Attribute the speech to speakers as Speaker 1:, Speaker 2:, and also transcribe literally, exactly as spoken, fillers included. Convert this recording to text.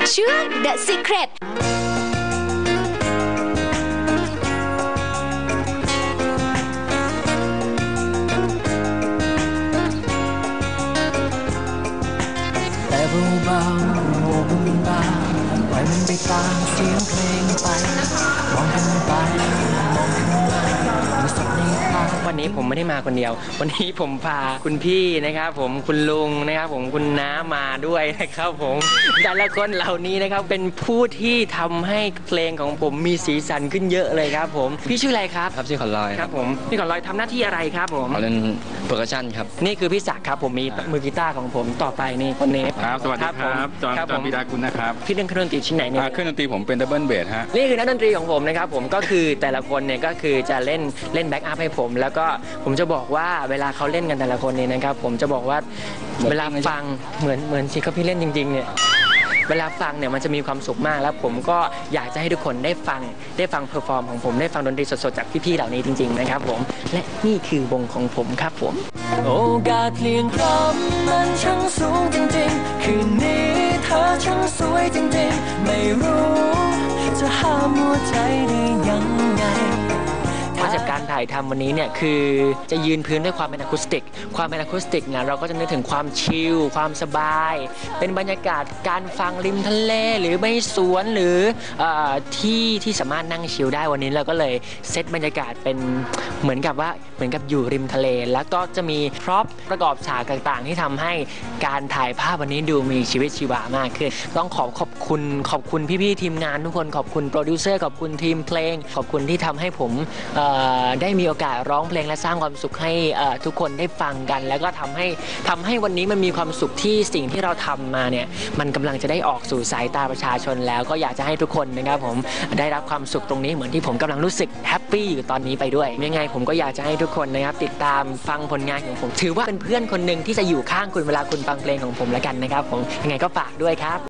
Speaker 1: ช่วง The Secret
Speaker 2: แต่เบาๆโมบุญบาปล่อยมันไปตามเสียงเพลงไปมองกันไปมองกันมามีสักในตาวันนี้ผมไม่ได้มาคนเดียววันนี้ผมพาคุณพี่นะครับผมคุณลุงนะครับผมคุณน้ามาด้วยนะครับผมแต่ละคนเหล่านี้นะครับเป็นผู้ที่ทำให้เพลงของผมมีสีสันขึ้นเยอะเลยครับผมพี่ชื่ออะไรครับ
Speaker 3: ครับชื่อขอนลอย
Speaker 2: ครับผมพี่ขอนลอยทำหน้าที่อะไรครับผม
Speaker 3: เล่นเปอร์คัชชั่นครับ
Speaker 2: นี่คือพี่ศักดิ์ครับผมมีมือกีตาร์ของผมต่อไปนี่คนนี้
Speaker 4: ครับสวัสดีครับจอห์นจอห์นปิดากุลนะครับ
Speaker 2: พี่เล่นเครื่องดนตรีชิ้นไหนเนี่ย
Speaker 4: เครื่องดนตรีผมเป็นดับเบิลเบสฮะ
Speaker 2: นี่คือนักดนตรีของผมนะครับผมก็คือแต่ละคนเนี่ยก็คือจะเล่นเล่นแบ็กอัพให้ผมแล้วก็ผมจะบอกว่าเวลาเขาเล่นกันแต่ละคนเนี่ยนะครับผมจะบอกว่าเวลาฟังเหมือนเหมือนที่เขาพี่เล่นจริงๆเนี่ยเวลาฟังเนี่ยมันจะมีความสุขมากแล้วผมก็อยากจะให้ทุกคนได้ฟังได้ฟังเพอร์ฟอร์มของผมได้ฟังดนตรีสดๆจากพี่ๆเหล่านี้จริงๆนะครับผมและนี่คือวงของผมครับผมโอกาสเปลี่ยนพร้อมมันช่างสูงจริงๆคืนนี้เธอช่างสวยจริงๆไม่รู้จะห้ามหัวใจได้ยังไงคอนเซปต์การถ่ายทำวันนี้เนี่ยคือจะยืนพื้นด้วยความเป็นอะคูสติกความเป็นอะคูสติกเนี่ยเราก็จะนึกถึงความชิลความสบายเป็นบรรยากาศการฟังริมทะเลหรือไม่สวนหรือที่ที่สามารถนั่งชิลได้วันนี้เราก็เลยเซตบรรยากาศเป็นเหมือนกับว่าเหมือนกับอยู่ริมทะเลแล้วก็จะมีพร็อพประกอบฉากต่างๆที่ทำให้การถ่ายภาพวันนี้ดูมีชีวิตชีวามากขึ้นต้องขอขอบคุณขอบคุณพี่ๆทีมงานทุกคนขอบคุณโปรดิวเซอร์ขอบคุณทีมเพลงขอบคุณที่ทำให้ผมได้มีโอกาสร้องเพลงและสร้างความสุขให้ทุกคนได้ฟังกันแล้วก็ทำให้ทำให้วันนี้มันมีความสุขที่สิ่งที่เราทำมาเนี่ยมันกำลังจะได้ออกสู่สายตาประชาชนแล้วก็อยากจะให้ทุกคนนะครับผมได้รับความสุขตรงนี้เหมือนที่ผมกำลังรู้สึกแฮปปี้อยู่ตอนนี้ไปด้วยยังไงผมก็อยากจะให้ทุกคนนะครับติดตามฟังผลงานของผมถือว่าเป็นเพื่อนคนหนึ่งที่จะอยู่ข้างคุณเวลาคุณฟังเพลงของผมแล้วกันนะครับผมยังไงก็ฝากด้วยครับ